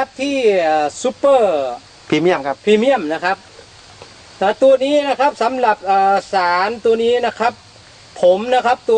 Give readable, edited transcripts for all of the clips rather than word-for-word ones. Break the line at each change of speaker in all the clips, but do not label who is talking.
นะครับที่ซูเปอร์
พรีเมียมครับ
พรีเมียมนะครับแต่ตัวนี้นะครับสำหรับสารตัวนี้นะครับผมนะครับตัว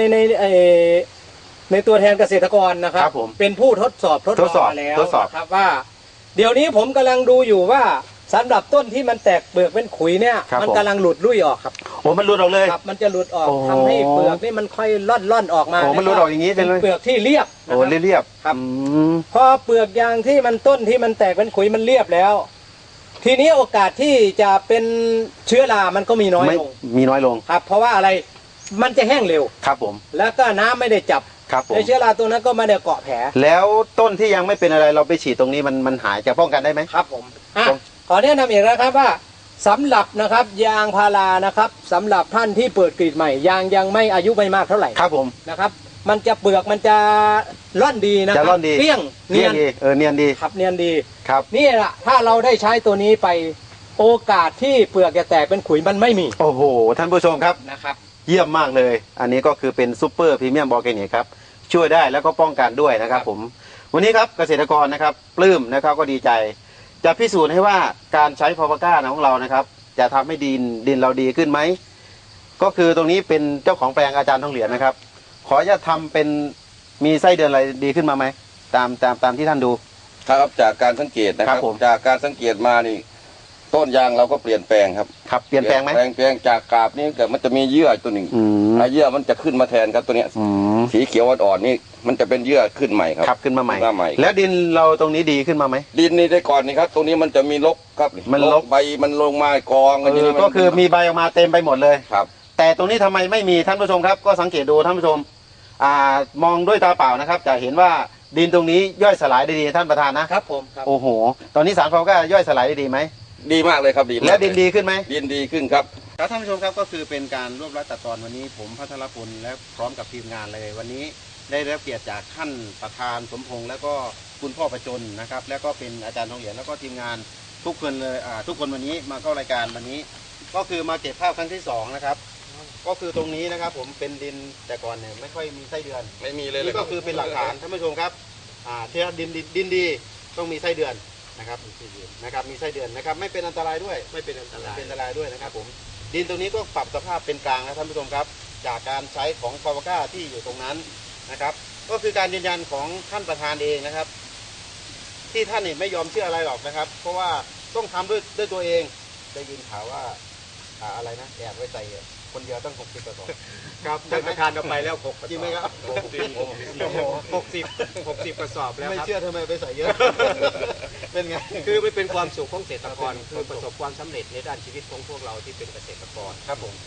ในตัวแทนเกษตรกรนะครับเป็นผู้ทดสอบมาแล้วนะครับว่าเดี๋ยวนี้ผมกำลังดูอยู่ว่าสำหรับต้นที่มันแตกเปลือกเป็นขุยเนี่ยมันกำลังหลุดลุ่ยออกครับ
โอ้มันหลุดออกเลย
ครับมันจะหลุดออกทำให้เปลือกนี่มันค่อยล่อนออกมา
โอ้มันหลุดออกอย่างนี้เป็น
เปลือกที่เรียบ
โอ้เรียบ
ครับพอเปลือกยางที่มันต้นที่มันแตกเป็นขุยมันเรียบแล้วทีนี้โอกาสที่จะเป็นเชื้อรามันก็มีน้อยลงครับเพราะว่าอะไรมันจะแห้งเร็ว
ครับผม
แล้วก็น้ำไม่ได้จับในเชื้อราตัวนั้นก็ไม่ได้เกาะแผล
แล้วต้นที่ยังไม่เป็นอะไรเราไปฉีดตรงนี้มันหายจะป้องกันได้ไหม
ครับผมขอแนะนำอีกนะครับว่าสำหรับนะครับยางพารานะครับสำหรับท่านที่เปิดกรีดใหม่ยางยังไม่อายุไม่มากเท่าไหร่
ครับผม
นะครับมันจะเปลือกมันจะร่อนดีนะครับเปี้ยง
เนียนดีเนียนดี
ครับเนียนดี
ครับ
นี่แหละถ้าเราได้ใช้ตัวนี้ไปโอกาสที่เปลือกจะแตกเป็นขุยมันไม่มี
โอ้โหท่านผู้ชมครับ
นะครับ
เยี่ยมมากเลยอันนี้ก็คือเป็นซูเปอร์พรีเมียมออร์แกนิกครับช่วยได้แล้วก็ป้องกันด้วยนะครับผมวันนี้ครับเกษตรกรนะครับปลื้มนะครับก็ดีใจจะพิสูจน์ให้ว่าการใช้พาวก้าของเรานะครับจะทำให้ดินเราดีขึ้นไหมก็คือตรงนี้เป็นเจ้าของแปลงอาจารย์ทองเหรียญนะครับขอจะทำเป็นมีไส้เดือนอะไรดีขึ้นมาไหมตามที่ท่านดู
ครับจากการสังเกตนะครับจากการสังเกตมานี่ต้นยางเราก็เปลี่ยนแปลงครับ
เปลี่ยนแปลงไหม
เปลี่ยนแปลงจากกาบนี่เกิดมันจะมีเยื่อตัวหนึ่งเยื่อมันจะขึ้นมาแทนครับตัวเนี้ยสีเขียวอ่อนๆนี่มันจะเป็นเยื่อขึ้นใหม่ครับ
ขึ้นมาใหม่แล้วดินเราตรงนี้ดีขึ้นมาไหม
ดินนี่ได้ก่อนนี่ครับตรงนี้มันจะมีรกครับ
มันรก
ใบมันลงมากอง
ก็คือมีใบออกมาเต็มไปหมดเลย
ครับ
แต่ตรงนี้ทำไมไม่มีท่านผู้ชมครับก็สังเกตดูท่านผู้ชมมองด้วยตาเปล่านะครับจะเห็นว่าดินตรงนี้ย่อยสลายได้ดีท่านประธานนะครับ
ผม
โอ้โหตอนนี้สารพาวก้าย่อยสลายได้ดีไหม
ดีมากเลยครับดี
และดินดีขึ้นไหม
ดินดีขึ้นครับ
ครับท่านผู้ชมครับก็คือเป็นการรวบรัดตัดตอนวันนี้ผมพัทรพลและพร้อมกับทีมงานเลยวันนี้ได้รับเกียรติจากท่านประธานสมพงษ์แล้วก็คุณพ่อประจนนะครับแล้วก็เป็นอาจารย์ทองเหรียญแล้วก็ทีมงานทุกคนเลยทุกคนวันนี้มาเข้ารายการวันนี้ก็คือมาเก็บภาพครั้งที่2นะครับก็คือตรงนี้นะครับผมเป็นดินแต่ก่อนเนี่ยไม่ค่อยมีไส้เดือน
ไม่มีเลย
นี่ก็คือเป็นหลักฐานท่านผู้ชมครับที่ดินดีต้องมีไส้เดือนนะครับมีไส้เดือนนะครับไม่เป็นอันตรายด้วยไม่เป็นอันตรายด้วยนะครับผมดินตรงนี้ก็ปรับสภาพเป็นกลางนะท่านผู้ชมครับจากการใช้ของพาวก้าที่อยู่ตรงนั้นนะครับก็คือการยืนยันของท่านประธานเองนะครับที่ท่านไม่ยอมเชื่ออะไรหรอกนะครับเพราะว่าต้องทำด้วยตัวเองได้ยินข่าวว่าอะไรนะแอบไว้ใส่คนเดียวต้อง60 กระสอบ
ครับท่านประธานเอาไปแล้ว
จริงไหมครับ
60 กระสอบแล้ว
ไม่เชื่อทำไมไปใส่เยอะเป็นไง
คือไม่เป็นความสุขของเกษตรกรคือประสบความสำเร็จในด้านชีวิตของพวกเราที่เป็นเกษตรกร
ครับผม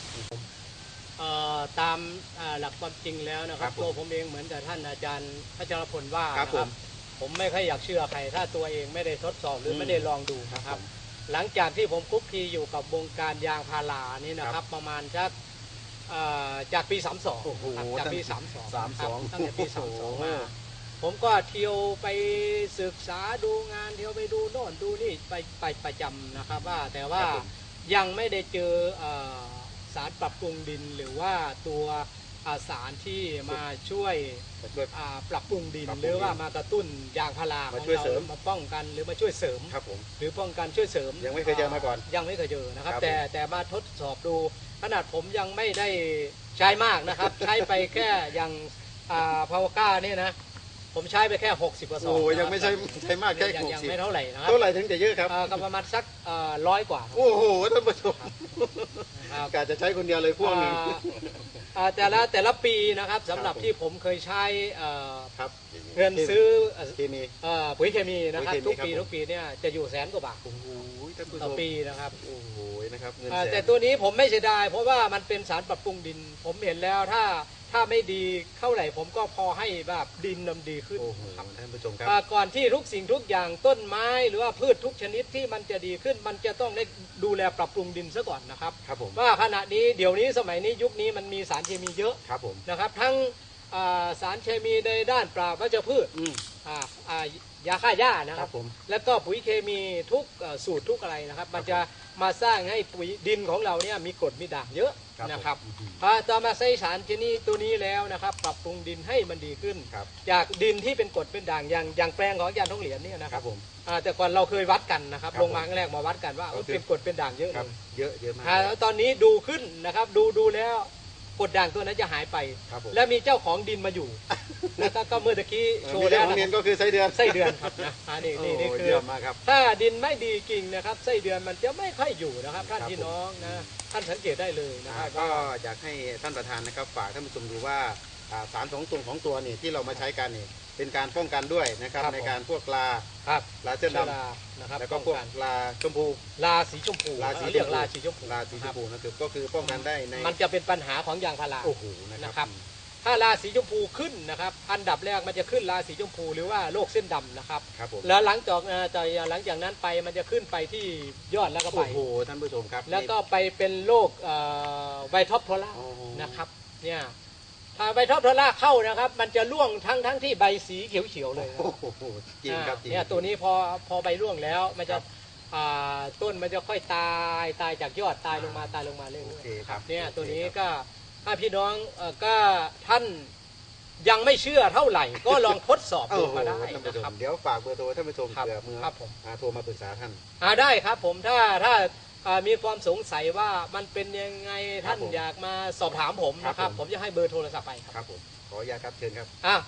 ตามหลักความจริงแล้วนะครับตัวผมเองเหมือนกับท่านอาจารย์พัชรพลว่านะครับผมไม่ค่อยอยากเชื่อใครถ้าตัวเองไม่ได้ทดสอบหรือไม่ได้ลองดูนะครับหลังจากที่ผมคุกคีอยู่กับวงการยางพารานี่นะครับประมาณจากปี32จากปี32ตั้งแต่ปี32มาผมก็เที่ยวไปศึกษาดูงานเที่ยวไปดูโน่นดูนี่ไปประจำนะครับว่าแต่ว่ายังไม่ได้เจอสารปรับปรุงดินหรือว่าตัวสารที่มาช่วยปรับปรุงดินหรือว่ามากระตุ้นยางพาราของเรามาป้องกันหรือมาช่วยเสริมหรือป้องกันช่วยเสริม
ยังไม่เคยเจอมาก่อน
ยังไม่เคยเจอนะครับแต่มาทดสอบดูขนาดผมยังไม่ได้ใช้มากนะครับใช้ไปแค่อย่างพาวก้านี่นะผมใช้ไปแค่60 กระสอบ
โอ้ยังไม่ใช่มากแค่
60ยังไม่เท่าไหร่นะครับ
เท่าไหร่ถึงจะเยอะครับ
ก็ประมาณสัก100 กว่า
โอ้โหท่านผู้ชมกะจะใช้คนเดียวเลยพวกหนึ่ง
แต่ละปีนะครับสำหรับที่ผมเคยใช้เงินซื้อปุ๋ยเคมีนะครับทุกปีเนี่ยจะอยู่100,000 กว่าบาทต่อปีนะครับ
โอ้โหนะครับ
แต่ตัวนี้ผมไม่เสียดายเพราะว่ามันเป็นสารปรับปรุงดินผมเห็นแล้วถ้าไม่ดีเท่าไหร่ผมก็พอให้แบบดินนำดีขึ้น
ครับท่านผู้ชมครับ
ก่อนที่ทุกสิ่งทุกอย่างต้นไม้หรือว่าพืชทุกชนิดที่มันจะดีขึ้นมันจะต้องได้ดูแลปรับปรุงดินซะก่อนนะครับว่าขณะนี้เดี๋ยวนี้สมัยนี้ยุคนี้มันมีสารเคมีเยอะนะครับทั้งสารเคมีในด้านปราบวัชพืชยาฆ่าหญ้านะ
ค
ค
รั
รั
บบ ผม
แล้วก็ปุ๋ยเคมีทุกสูตรทุกอะไรนะครับ มันจะมาสร้างให้ปุ๋ยดินของเราเนี่ยมีกรดมีด่างเยอะนะครับพอต่อมาใส่สารชนิดตัวนี้แล้วนะครับปรับปรุงดินให้มันดีขึ้น
ครับ
จากดินที่เป็นกรดเป็นด่างอย่างแปลงของอาจารย์ทองเหรียญเนี่ยนะ
ค
ค
รั
รั
บบ ผม
แต่ก่อนเราเคยวัดกันนะครับ
ครับ
ลงมาครั้งแรกมาวัดกันว่า
ก็คือ
เป็นกรดเป็นด่างเยอะ
ค
เล
รับ
ย
เยอะมาก
แล้วตอนนี้ดูขึ้นนะครับดูแล้วกรดด่างตัวนั้นจะหายไป
ครับผม
และมีเจ้าของดินมาอยู่ แล้วก็เมื่อตะกี้โช
มี
ว์
เรื่
แล้
อ
ว
งของ
นะ
เนียนก็คือไส้เดือน
ไส้เดือนครับนะนี่
โอ้
นี่คือ
เยี่ยมมากครับ
ถ้าดินไม่ดีจริงนะครับไส้เดือนมันจะไม่ค่อยอยู่นะครับท่าน
ครับ
พี่น้องนะท่านสังเกตได้เลยนะครับ
ก็อยากให้ท่านประธานนะครับฝากท่านผู้ชมดูว่าสารของตัวนี่ที่เรามาใช้กันนี่เป็นการป้องกันด้วยนะครับในการพวกลา
ครับ
ลาเส้นด
เชื้อรานะครับ
ำแล้วก็พวก
ป้องน
ลาชมพู
ลาสีชมพู
ลาสี
เรียก
ชมพู
ลาสีชมพู
ลาสีช
ครั
ม
บ
พูนะครับก็คือป้องกันได้ใน
มันจะเป็นปัญหาของยางพารา
โอ้โห
นะ
นะ
ค
ค
รั
รับ บ
ถ้าราสีชมพูขึ้นนะครับอันดับแรกมันจะขึ้นราสีชมพูหรือว่าโรคเส้นดำนะครับ
ครับผม
แล้วหลังจากนั้นไปมันจะขึ้นไปที่ยอดแล้วก็ใบ
โอ้โหท่านผู้ชมครับ
แล้วก็ไปเป็นโรคไวท็อปโทล่า
โอ้โห
นะครับเนี่ยถ้าไวท็อปโทล่าเข้านะครับ มันจะร่วงทั้งที่ใบสีเขียวๆเลยนะ
โอ้โหจริงครับจริง
เนี่ยตัวนี้พอใบร่วงแล้วมันจะต้นมันจะค่อยตายจากยอดตายลงมาเรื่อย
โอเค
ๆ
ครับ
เนี่ยตัวนี้ก็ถ้าพี่น้องก็ท่านยังไม่เชื่อเท่าไหร่ ก็ลองทดสอบ
โอ้
ดู
โห
มาได้
ท่านผู้
นะ
ช
ครั
ม
บ
เดี๋ยวฝากเบอร์โทรท่านผู้ชม
ครับ
เผื่อมือ
ครับผม
โทรมาปรึกษาท่าน
ได้ครับผมถ้ามีความสงสัยว่ามันเป็นยังไงท่าน
ครับผม
อยากมาสอบถามผมนะค
ครั
รั
บบ ผม
ผมจะให้เบอร์โทรศัพท์ไปครับ
ครับผมขออนุญาตครับเชิญครับ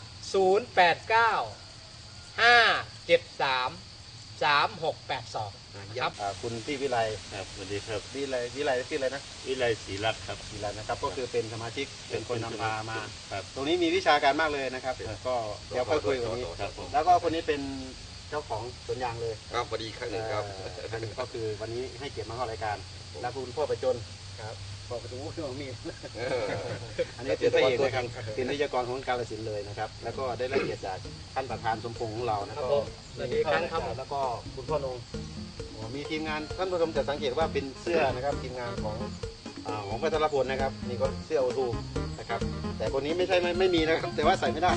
089 573 3682 ครับ
คุณพี่วิไล
ครับสวัสดีครับ
วิไลชื่ออะไรนะ
วิไลศรีรัตน์ครับ
วิไลนะครับก็คือเป็นสมาชิกเป็นคนนำพามา
ครับ
ตรงนี้มีวิชาการมากเลยนะครับก็เดี๋ยวค่อยคุยกันนี้
ครับผม
แล้วก็คนนี้เป็นเจ้าของสวนยางเลย
ครับพอดีครั้งหนึ่งครับ
ท่านนี้ก็คือวันนี้ให้เกียรติมาเข้ารายการและคุณพ่อประจนครับพ่อประจนเครื่องมีด อันนี้เป็นพระเอกนะครับเป็นวิทยากรของกาฬสินธุ์เลยนะครับ แล้วก็ได้รับเกียรติจากท่านประธานสมพงษ์ของเรานะ
ค
ค
รั
รั
บบ ผมสวัสดีครับครับ
แล้วก็คุณพ่อนงมีทีมงานท่านผู้ชมจะสังเกตว่าเป็นเสื้อนะครับทีมงานของพัทรพลนะครับนี่ก็เสื้อโอทูนะครับ แต่คนนี้ไม่มีนะครับ แต่ว่าใส่ไม่ได้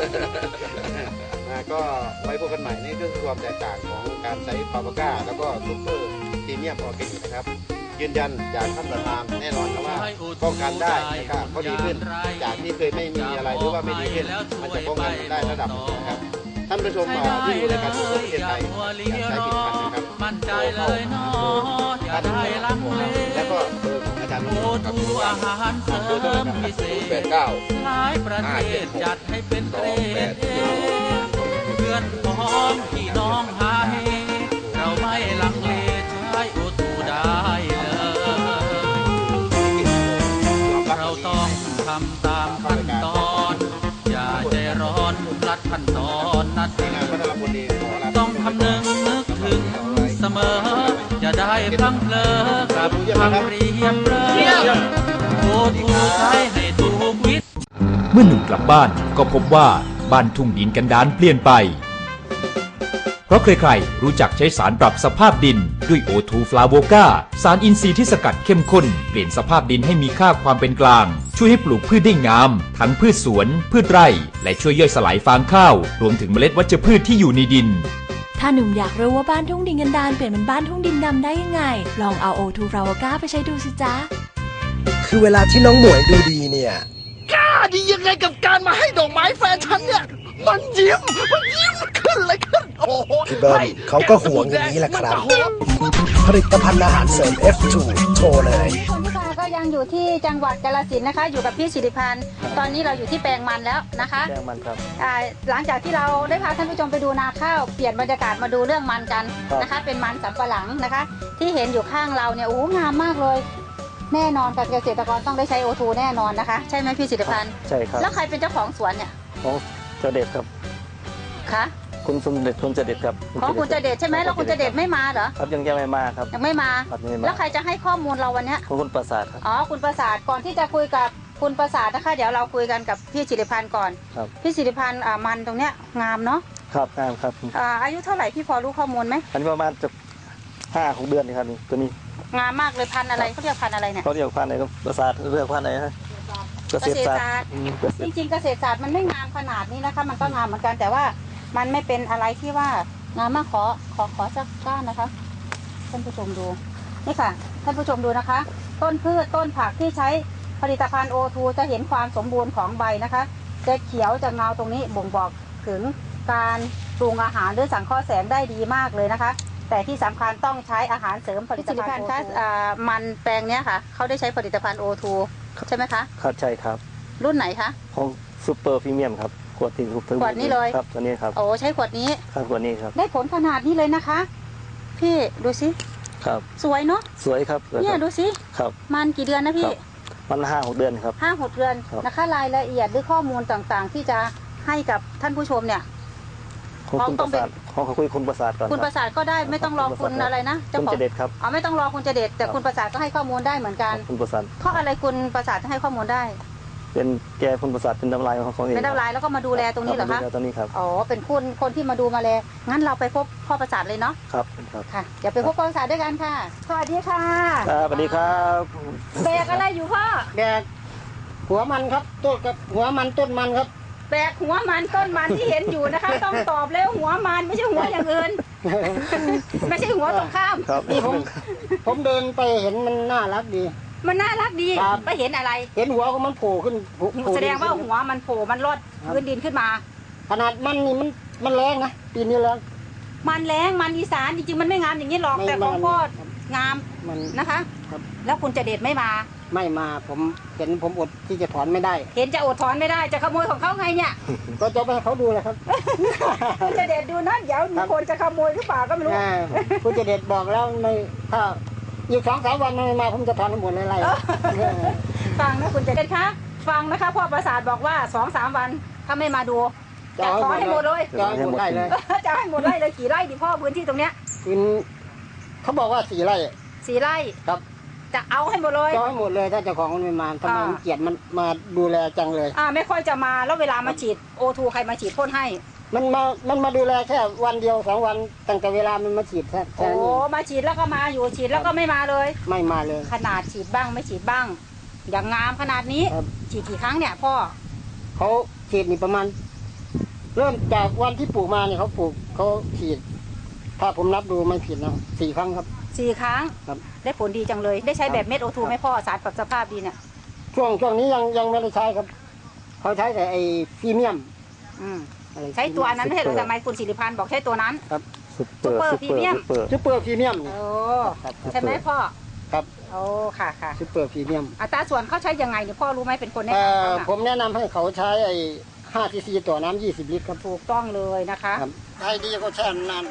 ก็ไว้พบกันใหม่นี่ก็คือความแตกต่างของการใช้ปาปาก้าแล้วก็ซุปเปอร์พรีเมียมออร์แกนิกนะครับ ยืนยันจากท่านประธานแน่นอนครับว่าป้องกันได้นะครับก็ดีขึ้นจากที่เคยไม่มีอะไรหรือว่าไม่ดีขึ้นมันจะป้องกันได้ระดับหนึ่งนะครับท่านผู้ชมที่ดูรายการทั่วประเทศไทยอยากใช้ผลิตภัณฑ์นะครับ
มั่นใจเลยเนาะอย่าได้ลังเล
แล้วก็เบอร์ของอาจารย์
โอทูอาหารเสริมพิเศษ
89
หลายประเทศจัดให้เป็นเกรดเอเพื่อนพ้องพี่น้องหาเฮเราไม่ลังเลใช้โอทูได้เลยเราต้องทำตามขั้นตอน อย่าใจร้อนรัดขั้นตอนนัด
งานพัฒนาบุรีขอลา
ต้องคำนึงนึกถึงเสมอ อย่าได้พลังเพลอกับคำเรียบเรียบโอ้ทูใช้ให้ถูกวิธี
เมื่อหนุ่มกลับบ้านก็พบว่าบ้านทุ่งดินกันดารเปลี่ยนไป เพราะใครๆรู้จักใช้สารปรับสภาพดินด้วยโอทูฟลาโวกาสารอินทรีย์ที่สกัดเข้มข้นเปลี่ยนสภาพดินให้มีค่าความเป็นกลาง ช่วยให้ปลูกพืชได้งาม ทั้งพืชสวน พืชไร่ และช่วยย่อยสลายฟางข้าว รวมถึงเมล็ดวัชพืชที่อยู่ในดิน
ถ้าหนุ่มอยากรู้ว่าบ้านทุ่งดินกันดารเปลี่ยนเป็นบ้านทุ่งดินดำได้ยังไง ลองเอาโอทูฟลาวก้าไปใช้ดูสิจ๊ะ
คือเวลาที่น้องหมวยดูดีเนี่ย
กล้าดียังไงกับการมาให้ดอกไม้แฟนฉันเนี่ย มันยิ้มขึ้นเลยขึ้น โอ้โห
พี่เบิ้มเขาก็ห่วงอย่างนี้แหละครับ ผลิตภัณฑ์อาหารเสริม F2 โชว์เลย
คนที่ค่ะก็ยังอยู่ที่จังหวัดกาฬสินธุ์นะคะ อยู่กับพี่สิริพันธ์ตอนนี้เราอยู่ที่แปลงมันแล้วนะคะ
แปลงมันครับ
หลังจากที่เราได้พาท่านผู้ชมไปดูนาข้าวเปลี่ยนบรรยากาศมาดูเรื่องมันกันนะคะ เป็นมันสำปะหลังนะคะ ที่เห็นอยู่ข้างเราเนี่ยโอ้งามมากเลย แน่นอนกับเกษตรกรต้องได้ใช้โอทูแน่นอนนะคะ ใช่ไหมพี่สิริพันธ์
ใช่ครับ
แล้วใครเป็นเจ้าของสวนเนี่ย
ของเจเด็ดครับ
คะ
คุณสมเด็จคุณเจเด็ดครับ
ของคุณเจเดชใช่ไหมแล้วคุณเจเดชไม่มาเหรอ
ครับยังไม่มาครับ
ยังไม่มา
ครับยังไม่
แล้ว
มา
ใครจะให้ข้อมูลเราวันเนี้ย
ของคุณประสาทครับ
อ๋อคุณประสาทก่อนที่จะคุยกับคุณประสาทนะคะ เดี๋ยวเราคุยกันกับพี่สิริพันธ์ก่อน
ครับ
พี่สิริพันธ์มันตรงเนี้ยงามเนาะ
ครับงามครับ
อายุเท่าไหร่พี่พอรู้ข้อมูลไหม
อันนี้ประมาณจะ5-6 เดือนนี่ครับนี่ตัวนี้
งามมากเลยพันธุ์อะไรเขาเรียกพันธุ์อะไรเนี่ย
เขาเรียกพันธุ์อะไรครับประสาทเรียกพันธุ์อะไรฮะเกษตรศาสตร์
จริงๆเกษตรศาสตร์มันไม่งามขนาดนี้นะคะ มันก็งามเหมือนกันแต่ว่ามันไม่เป็นอะไรที่ว่างามมากขอสักก้านนะคะท่านผู้ชมดูนี่ค่ะท่านผู้ชมดูนะคะ ต้นพืชต้นผักที่ใช้ผลิตภัณฑ์ O2 จะเห็นความสมบูรณ์ของใบนะคะจะเขียวจะเงาตรงนี้บ่งบอกถึงการปรุงอาหารหรือสังเคราะห์แสงได้ดีมากเลยนะคะ แต่ที่สำคัญต้องใช้อาหารเสริมผลิตภัณฑ์ O2 มันแปลงเนี้ยค่ะเขาได้ใช้ผลิตภัณฑ์ O2 ใช่ไหมคะ
ครับใช่ครับ
รุ่นไหนคะ
ของซูเปอร์พรีเมียมครับขวดที่ซูเปอร์
ขวดนี้เลย
ครับตัวนี้ครับ
โอ้ใช้ขวดนี้
ครับขวดนี้ครับ
ได้ผลขนาดนี้เลยนะคะพี่ดูสิ
ครับ
สวยเนาะ
สวยครับ
เนี่ยดูสิ
ครับ
มันกี่เดือนนะพี่
มัน5-6 เดือนครับ
5-6 เดือนนะคะรายละเอียดหรือข้อมูลต่างๆที่จะให้กับท่านผู้ชมเนี่ย
ของคุณประสาทของคุณประสาทก่อน
คุณประสาทก็ได้ไม่ต้องรอคุณอะไรนะ
คุณเจเด็ดครับ
ไม่ต้องรอคุณเจเด็ดแต่คุณประสาทก็ให้ข้อมูลได้เหมือนกัน
คุณประสาท
เพราะอะไรคุณประสาทให้ข้อมูลได้
เป็นแกคุณประสาทเป็นน้ำลายของเขาเอง
เป็นน้ำลายแล้วก็มาดูแลตรงนี้เหรอคะ
ตรงนี้ครับ
อ๋อเป็นคนที่มาดูมาแลงั้นเราไปพบพ่อประสาทเลยเนาะ
ครับ
ค่ะเดี๋ยวไปพบพ่อประสาทด้วยกันค่ะสวัสดีค่ะ
สวัสดีครับ
แบกอะไรอยู่พ่อ
แบกหัวมันครับต้นกับหัวมันต้นมันครับ
แบกหัวมันต้นมันที่เห็นอยู่นะคะต้องตอบแล้วหัวมันไม่ใช่หัวอย่างอื่นไม่ใช่หัวตรงข้าม
นี่ผมเดินไปเห็นมันน่ารักดี
มันน่ารักดีไปเห็นอะไร
เห็นหัวของมันโผล่ขึ้น
แสดงว่าหัวมันโผล่มันลอดพื้นดินขึ้นมา
ขนาดมันนี่มันแรงนะปีนี้แรง
มันแรงมันอีสานจริงๆมันไม่งามอย่างนี้หรอกแต่ของพ่องามนะคะแล้วคุณจะเด็ดไม่มา
ผมเห็นผมอดที่จะถอนไม่ได้
เห็นจะอดถอนไม่ได้จะขโมยของเขาไงเนี่ย
ก็จะไปให้เขาดูเลยครับ
คุณจะเด็ดดูนะเดี๋ยวมีคนจะขโมยหรือเปล่าก็ไม่รู้
คุณจะเด็ดบอกแล้วในถ้าอีก2-3 วันไม่มาผมจะถอนทั้งหมดเลยไร
ฟังนะคุณจะเด็ดคะฟังนะคะพ่อประสาทบอกว่า2-3 วันถ้าไม่มาดูจะถอนให้หมดเลย
จะให้หมดได้เลย
จะให้หมดไร่เลยกี่ไร่ดิพ่อพื้นที่ตรงเนี้ย
เขาบอกว่า4 ไร่
4 ไร่
ครับ
จะเอาให้หมดเลย
จะให้หมดเลยถ้าเจ้าของมันไม่มาทำไมเกียรติมันมาดูแลจังเลย
ไม่ค่อยจะมาแล้วเวลามาฉีด O2 ใครมาฉีดพ่นให้
มันมาดูแลแค่วันเดียว2 วันตั้งแต่เวลามันมาฉีดแค่
โอ้มาฉีดแล้วก็มาอยู่ฉีดแล้วก็ไม่มาเลย
ไม่มาเลย
ขนาดฉีดบ้างไม่ฉีดบ้างอย่างงามขนาดนี้ฉีดกี่ครั้งเนี่ยพ่อ
เขาฉีดนี่ประมาณเริ่มจากวันที่ปลูกมาเนี่ยเขาปลูกเขาฉีดถ้าผมนับดูไม่ผิดนะ4 ครั้งครับ
4 ครั้งได้ผลดีจังเลยได้ใช้แบบเม็ด O2 ไหมพ่อสารปรับสภาพดีเนี่ย
ช่วงนี้ยังไม่ได้ใช้ครับเขาใช้แต่ไอ้พรีเมียม
ใช้ตัวนั้นไม่ใช่หรือทำไมคุณศิริพันธ์บอกใช้ตัวนั้น
ครับ
ซุปเปอร์พรีเมียม
โอ้
ใช่ไหมพ่อ
ครับ
โอ้ค่ะ
ซุปเปอร์พรีเมียม
อัตราส่วนเขาใช้ยังไงเนี่ยพ่อรู้ไหมเป็นคนแนะน
ำผมแนะนำให้เขาใช้ไอ้5 cc ต่อน้ำ20 ลิตรครับ
ถูกต้องเลยนะคะ
ให้ดีก็แช่นาน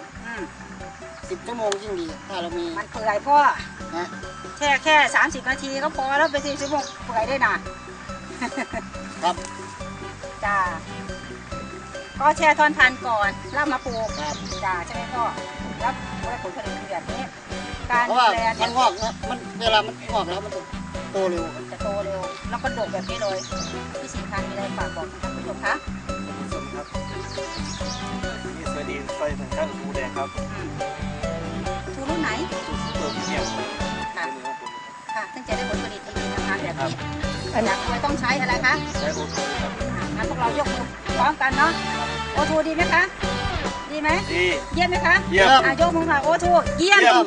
10 ชั่วโมงยิ่งดีถ้าเรามี
มันเปื่อยพ่อแค่30 นาทีก็พอแล้วไป10 ชั่วโมงเปื่อยได้นะครับจ้าก็แช่ทอนพันก่อนแล้วมาปลูกจ้าใช่ไหมพ่อแล้วได้ผลผลิตแบบนี้การดูแล
มันงอกนะมันเวลามันงอกแล้วมันจะโตเร็ว
แล้วก็ดกแบบนี้เลยพี่สินค้ามีอะไรฝากบอกท่านผู้ชมคะ
มีสวัสดีไฟสัญชาติทูแดงครับ
ทูรุ่นไหน
ซูเปอร์พรีเมียม
ค่ะซึ่งจะได้ผลผลิตดีนะคะแบบนี้อยากไม่ต้องใช้อะไรคะ
ใช้ O2 ครับ
งั้นพวกเรายกมือพร้อมกันเนาะ O2 ดีไหมคะดีไหมดีเยี่ยมไหมคะ
เยี่ยม
ยกมือค่ะ O2 เยี่ยม